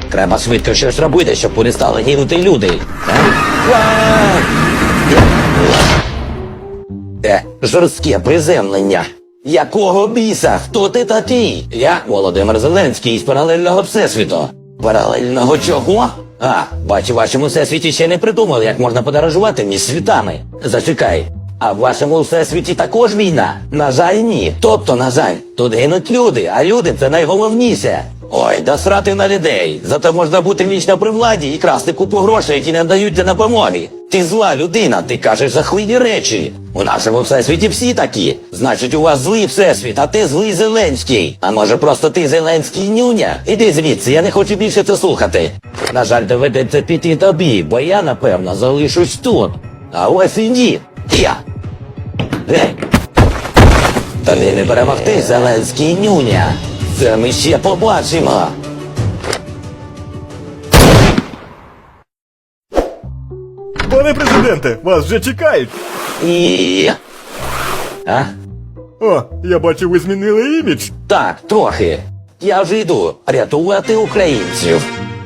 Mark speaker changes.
Speaker 1: Треба швидко щось робити, щоб перестали гинути люди. Жорстке приземлення. Якого біса? Хто ти такий? Я Володимир Зеленський з паралельного всесвіту. Паралельного чого? Бачу, в вашому всесвіті ще не придумали, як можна подорожувати між світами. Зачекай. А в вашому всесвіті також війна? На жаль, ні. Тобто, на жаль, тут гинуть люди, а люди – це найголовніше. Ой, да срати на людей. Зато можна бути вічно при владі і красти купу грошей, які не дають для допомоги. Ти зла людина, ти кажеш жахливі речі. У нашому всесвіті всі такі. Значить, у вас злий всесвіт, а ти злий Зеленський. А може просто ти Зеленський нюня? Іди звідси, я не хочу більше це слухати. На жаль, доведеться піти тобі, бо я, напевно, залишусь тут. А ось і ні. Я. Гей. Тобі не перемогти, Зеленський нюня. Це ми ще побачимо.
Speaker 2: Пане президенте, вас вже чекають.
Speaker 1: І...
Speaker 2: О, я бачу, ви змінили імідж.
Speaker 1: Так, трохи. Я вже йду рятувати українців.